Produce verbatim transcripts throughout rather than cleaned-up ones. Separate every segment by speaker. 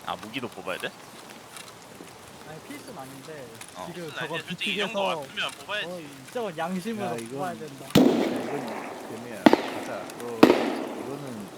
Speaker 1: 아 무기도 뽑아야 돼?
Speaker 2: 아니 필수는 아닌데
Speaker 1: 어.
Speaker 2: 지금
Speaker 3: 무슨
Speaker 2: 저거
Speaker 3: 아니야? 솔직히 이 정도
Speaker 2: 비틱에서
Speaker 3: 왔으면 뽑아야지.
Speaker 2: 어, 저건 양심으로
Speaker 4: 야, 이건-
Speaker 2: 뽑아야 된다.
Speaker 4: 야, 이건 재미야. 가자. 너 이거는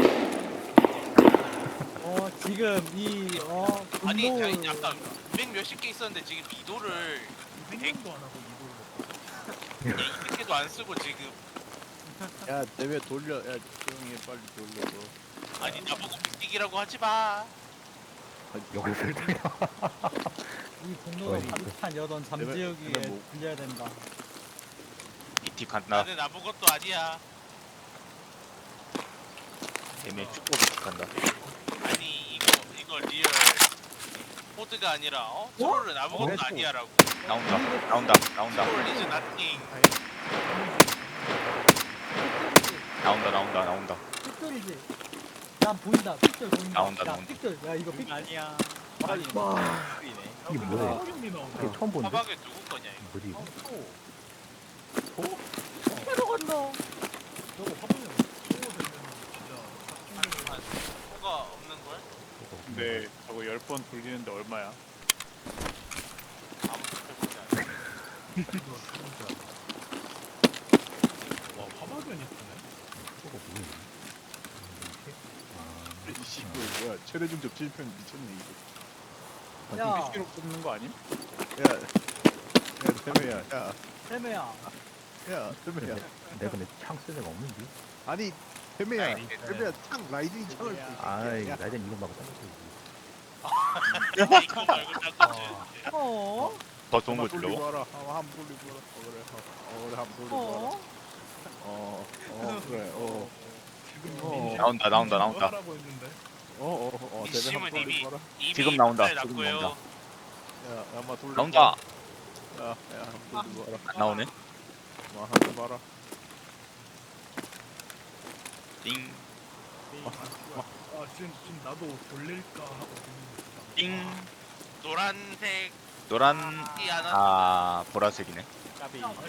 Speaker 2: 어 지금 이어
Speaker 3: 아니
Speaker 2: 분노
Speaker 3: 아니 아까 이백 몇십 개 있었는데 지금 미도를
Speaker 5: 생각도 안 하고 이걸 먹어.
Speaker 3: 이백 개도 안 쓰고 지금
Speaker 4: 야 대회 돌려. 야 조용히 해, 빨리 돌려. 너.
Speaker 3: 아니 나보고 빅딕이라고 하지 마.
Speaker 6: 여기 설득이야.
Speaker 2: 이 분노가
Speaker 6: 어이,
Speaker 2: 가득한 여던 잠재우기에
Speaker 4: 내가 뭐-
Speaker 2: 빌려야 된다.
Speaker 1: 이티 간다.
Speaker 3: 나는 아무것도 아니야.
Speaker 1: 애매 축구 비티 간다.
Speaker 3: 아니 이거 이거 리얼 포드가 아니라 어? 트롤은 아무것도
Speaker 4: 어?
Speaker 3: 아니야라고.
Speaker 1: 나온다. 나온다. 나온다.
Speaker 3: 트롤 이즈 나띵.
Speaker 2: 삐뚤이지.
Speaker 1: 나온다. 나온다. 나온다.
Speaker 2: 삐뚤이지. 야 보인다. 삐뚤 보인다.
Speaker 1: 나온다,
Speaker 2: 야
Speaker 1: 나온다.
Speaker 2: 삐뚤. 야 이거 삐뚤.
Speaker 3: 아니야.
Speaker 4: 빨리.
Speaker 6: 이게 뭐야?
Speaker 5: 사경이 나오네.
Speaker 6: 이게 처음 보는데?
Speaker 3: 사박에 누구 거냐 이거.
Speaker 6: 뭐지 이거?
Speaker 2: 들어간다.
Speaker 5: 저거 화분이 소모 되면 진짜
Speaker 3: 뭐가 없는 걸?
Speaker 7: 근데 저거 열 번 돌리는데 얼마야?
Speaker 3: 아무것도 해보지 않아.
Speaker 5: 이거 진짜. 와 화박연이 있네.
Speaker 6: 저거 뭐야?
Speaker 4: 이씨 이거 뭐야? 최대 중접 칠 편 미쳤네 이거.
Speaker 2: 야
Speaker 7: 피시로 뽑는 거 아님?
Speaker 4: 야, 야 대회야. 야,
Speaker 2: 세매야.
Speaker 4: 야 대회야.
Speaker 6: 내가 근데 창 쓸 데가 없는데?
Speaker 4: 아니 대회야.
Speaker 3: 아니,
Speaker 4: 대회야 창 라이딩 창을. 쓰고.
Speaker 6: 아이
Speaker 4: 야,
Speaker 6: 나이든 이거 말고 딴거 써야지.
Speaker 3: 이거 말고 딴거 줘.
Speaker 2: 어?
Speaker 1: 더 좋은 거
Speaker 4: 한번
Speaker 1: 주려고?
Speaker 4: 돌리고 와라. 어, 한번 돌리고 와라. 어 그래. 어, 어 그래 한번 돌리고 와라.
Speaker 2: 어?
Speaker 4: 어, 어 그래. 어,
Speaker 5: 지금
Speaker 4: 어.
Speaker 5: 민심-
Speaker 1: 나온다, 나온다,
Speaker 5: 뭐
Speaker 1: 나온다.
Speaker 5: 하라고 했는데.
Speaker 4: 어, 어, 어. 대회
Speaker 3: 민심은
Speaker 4: 한번
Speaker 3: 이미-
Speaker 4: 돌리고 와라.
Speaker 3: 이미
Speaker 1: 지금 나온다,
Speaker 3: 이빨
Speaker 1: 지금
Speaker 3: 났고요.
Speaker 1: 나온다.
Speaker 4: 야, 야, 한번 돌리고.
Speaker 1: 나온다.
Speaker 4: 와라. 야, 야, 한번 돌리고 와라.
Speaker 1: 안 나오네.
Speaker 4: 와, 한번 봐라.
Speaker 1: 띵.
Speaker 5: 아 지금 지금 나도 돌릴까 하고 있는
Speaker 1: 띵.
Speaker 3: 노란색
Speaker 1: 노란.
Speaker 3: 이 하나.
Speaker 1: 아 보라색이네.
Speaker 3: 까비.
Speaker 2: 야, 야.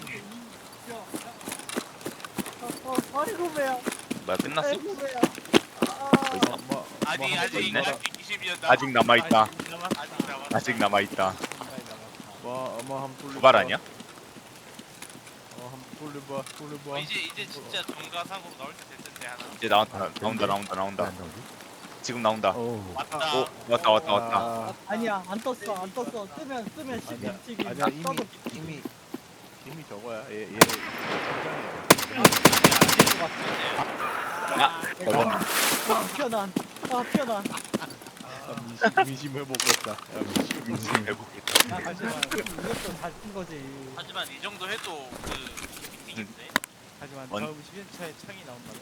Speaker 2: 어, 어, 아이고 배야.
Speaker 1: 뭐야 끝났어?
Speaker 2: 아이고 배야. 아,
Speaker 1: 벌써?
Speaker 4: 뭐,
Speaker 3: 아직
Speaker 4: 뭐
Speaker 3: 아직
Speaker 1: 있네?
Speaker 3: 아직 이십이었다.
Speaker 1: 아직 남아 있다.
Speaker 3: 아직 남아. 아직 남아.
Speaker 1: 아직 남아 있다.
Speaker 4: 뭐, 아마 한번 돌려.
Speaker 1: 도발 아니야?
Speaker 4: 어, 한번 돌려봐, 돌려봐.
Speaker 3: 어, 이제 이제 진짜 정가상으로 나올 때 될 텐데 하나.
Speaker 1: 이제 나온다. 나온다. 나온다. 나온다.
Speaker 6: 안 나오지?
Speaker 1: 지금 나온다.
Speaker 6: 어우.
Speaker 3: 왔다.
Speaker 1: 오 왔다 왔다 왔다.
Speaker 4: 아,
Speaker 2: 아니야 안 떴어 안 떴어. 뜨면 뜨면 십
Speaker 4: 아니야,
Speaker 2: 빅치기.
Speaker 4: 아니야 이미
Speaker 2: 떠도
Speaker 4: 이미 이미 저거야. 얘 얘.
Speaker 1: 야 저거
Speaker 2: 아 편안. 아 편안.
Speaker 4: 민심 민심 해보겠다. 야, 민심 민심.
Speaker 1: 해보겠다.
Speaker 2: 야 하지만 이것도 잘 뜬 거지.
Speaker 3: 하지만 이 정도 해도 그 미팅인데.
Speaker 2: 하지만
Speaker 1: 뭔-
Speaker 2: 다음 십 년차에 창이 나온다면.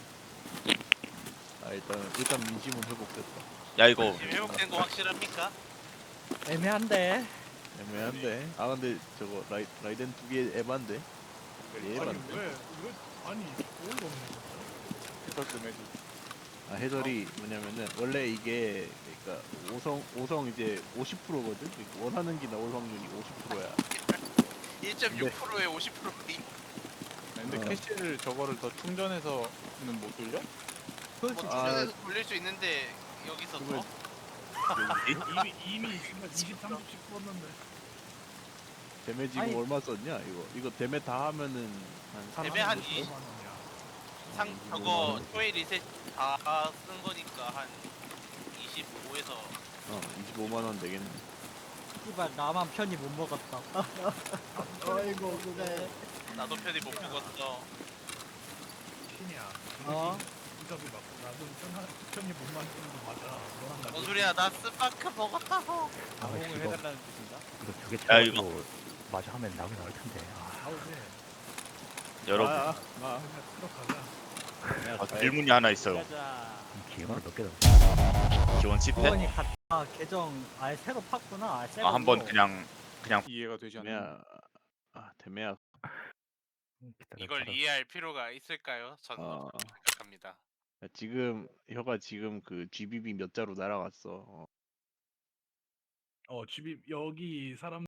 Speaker 4: 아 일단 일단 민심은 회복됐다.
Speaker 1: 야 이거
Speaker 3: 지금 회복된 거 확실합니까?
Speaker 2: 애매한데.
Speaker 4: 애매한데. 아 근데 저거 라이 라이덴 두 개 에반데. 얘
Speaker 5: 아니
Speaker 4: 에반데.
Speaker 5: 왜 왜 아니 어이가 없네 진짜.
Speaker 7: 해설 좀 해줘.
Speaker 4: 아 해설이 뭐냐면은 원래 이게 그러니까 오성 오성 이제 오십 퍼센트거든. 원하는 게 나올 확률이 오십 퍼센트야.
Speaker 3: 일 점 육 퍼센트에 오십 퍼센트.
Speaker 7: 근데
Speaker 4: 어.
Speaker 7: 캐시를 저거를 더 충전해서는 못 돌려?
Speaker 2: 그렇지.
Speaker 3: 뭐
Speaker 4: 아.
Speaker 3: 충전해서 돌릴 수 있는데 여기서
Speaker 4: 그걸-
Speaker 3: 더?
Speaker 5: 이미 이미 이십 삼십씩 썼는데.
Speaker 4: 데메 지금
Speaker 2: 아니.
Speaker 4: 얼마 썼냐 이거? 이거 데메 다 하면은 한
Speaker 3: 데메 한
Speaker 4: 삼십오?
Speaker 3: 이-
Speaker 5: 오만 원이야.
Speaker 3: 상 저거 초에 리셋 다 쓴 거니까 한 이십오에서
Speaker 4: 어 이십오만 원 되겠네.
Speaker 2: 씨발 나만 편히 못 먹었다. 아이고 그래.
Speaker 3: 나도 편히 못 먹었어.
Speaker 5: 신이야.
Speaker 2: 어?
Speaker 5: 이적이 맞고 나도 편하 편히 못 만드는 거 맞아. 너랑 나도.
Speaker 3: 뭔 소리야? 나 스파크 먹었다고.
Speaker 6: 아
Speaker 2: 공을
Speaker 6: 이거
Speaker 2: 해달라는 뜻인가?
Speaker 6: 이거 두개
Speaker 1: 야, 이거.
Speaker 6: 쳐가지고 마저 하면 나오긴 나올 텐데. 아,
Speaker 5: 나오지.
Speaker 1: 여러분
Speaker 4: 아, 아,
Speaker 5: 그냥 들어가자.
Speaker 1: 아, 질문이 하나 있어요.
Speaker 2: 가자.
Speaker 6: 이 기회가 몇 개다.
Speaker 1: 기원 십 회?
Speaker 2: 구원이 갔다. 계정 아예 새로 팠구나. 아예 새로.
Speaker 1: 아, 한번 그냥 그냥
Speaker 7: 이해가 되지 않나?
Speaker 4: 데메야. 아 데메야.
Speaker 6: 기다려,
Speaker 3: 이걸
Speaker 6: 알아.
Speaker 3: 이해할 필요가 있을까요? 저는
Speaker 4: 어.
Speaker 3: 없다고 생각합니다.
Speaker 4: 지금 혀가 지금 그 지비비 몇 자로 날아갔어. 어.
Speaker 5: 어 집이 여기 사람